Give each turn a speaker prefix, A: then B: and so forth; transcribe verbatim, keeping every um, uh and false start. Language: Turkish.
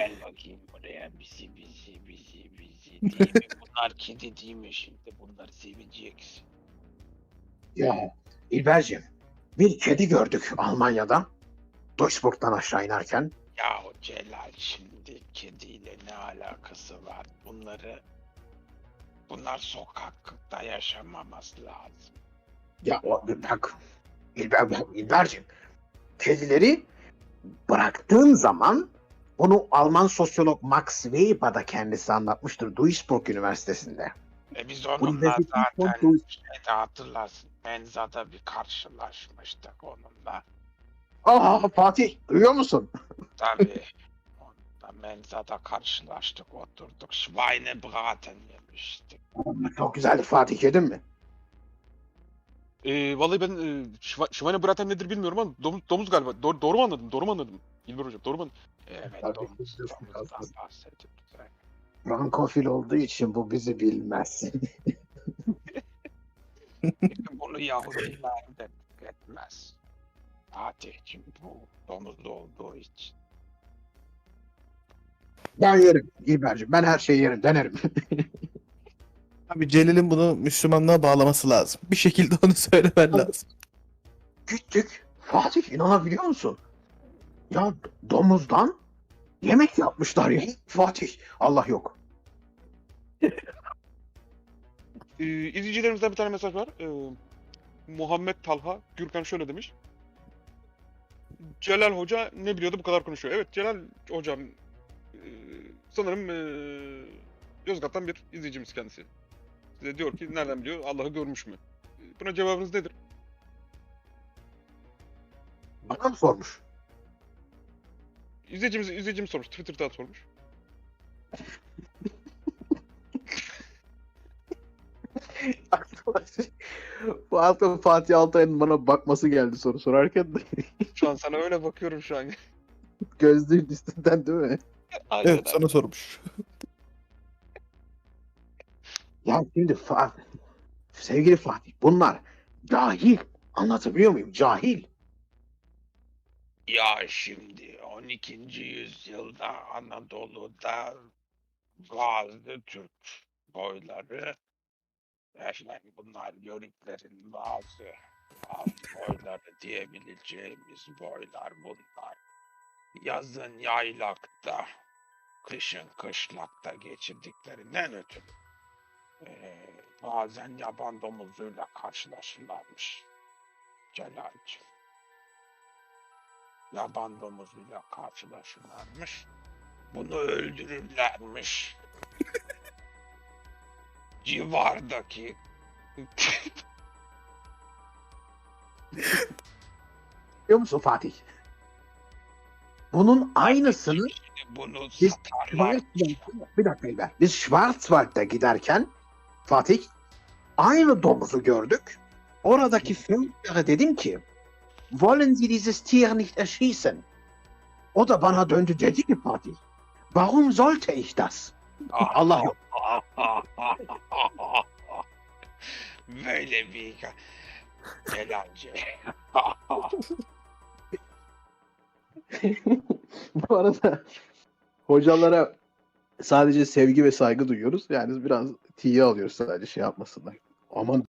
A: Gel bakayım buraya. Bizi bizi bizi bizi değil mi? Bunlar kedi değil mi şimdi? Bunları seveceksin.
B: Ya İlberciğim, bir kedi gördük Almanya'da. Duisburg'dan aşağı inerken.
A: Ya Celal şimdi kediyle ne alakası var? Bunları bunlar sokakta yaşamaması lazım.
B: Ya o, bak İlber, İlberciğim, kedileri bıraktığın zaman bunu Alman sosyolog Max Weber da kendisi anlatmıştır Duisburg Üniversitesi'nde.
A: E biz onunla
B: Universität von
A: zaten
B: Duisburg.
A: şeyde hatırlarsın. Menzada bir karşılaşmıştık onunla.
B: Aa Fatih, duyuyor musun?
A: Tabii. Onunla menzada karşılaştık, oturduk. Schweinebraten yemiştik.
B: Çok güzeldi Fatih, yedin mi?
C: Ee, vallahi ben e, Şiva- Schweinebraten nedir bilmiyorum ama domuz, domuz galiba. Do- doğru mu anladım? Doğru mu anladım? İlber hocam doğru mu anladım?
A: Evet,
B: Tabii,
A: domuz,
B: biz de
A: domuzdan
B: biraz-
A: bahsediyoruz. Evet.
B: Frankofil olduğu için bu bizi bilmez.
A: Bunu Yahudiler de etmez. Fatih'cim bu domuz olduğu için.
B: Ben yerim İlberciğim, ben her şeyi yerim, denerim.
D: Abi Celil'in bunu Müslümanlığa bağlaması lazım. Bir şekilde onu söylemen lazım.
B: Gittik. Fatih, inanabiliyor musun? Ya domuzdan yemek yapmışlar ya. Fatih, Allah yok.
C: Ee, izleyicilerimizden bir tane mesaj var. Ee, Muhammed Talha Gürkan şöyle demiş. Celal Hoca ne biliyordu bu kadar konuşuyor. Evet Celal Hocam e, sanırım e, Yozgat'tan bir izleyicimiz kendisi. Size diyor ki nereden biliyor? Allah'ı görmüş mü? E, Buna cevabınız nedir?
B: Bana mı sormuş?
C: İzleyicimiz, izleyicimiz sormuş. Twitter'dan sormuş.
B: Bu hafta Fatih Altay'ın bana bakması geldi soru sorarken de
C: Şu an sana öyle bakıyorum şu an.
B: gözlüğün üstünden değil mi?
C: Aynen
D: Evet
C: abi.
D: sana sormuş.
B: Ya şimdi Fa- sevgili Fatih, bunlar cahil. Anlatabiliyor muyum? Cahil.
A: Ya şimdi on ikinci yüzyılda Anadolu'da bazı Türk boyları, yani bunlar Yörüklerin bazı alt boyları diyebileceğimiz boylar bunlar. Yazın yaylakta, kışın kışlakta geçirdiklerinden ötürü eee, bazen yaban domuzuyla karşılaşırlarmış Celal'cığım. Yaban domuzuyla karşılaşırlarmış. Bunu öldürürlermiş. Civardaki
B: Biliyor musun Fatih? Bunun aynısını
A: bunu
B: Biz
A: satarlar.
B: Schwarzwald'da, bir dakika İlber. Biz Schwarzwald'da giderken Fatih aynı domuzu gördük. Oradaki Führer'e dedim ki wollen Sie dieses Tier nicht erschießen? O da bana döndü, dedi ki Fatih, warum sollte ich das? Allah yok.
A: Böyle bir Celal'cığım.
B: Bu arada hocalara sadece sevgi ve saygı duyuyoruz. Yani biraz tiye alıyoruz sadece şey yapmasınlar. Aman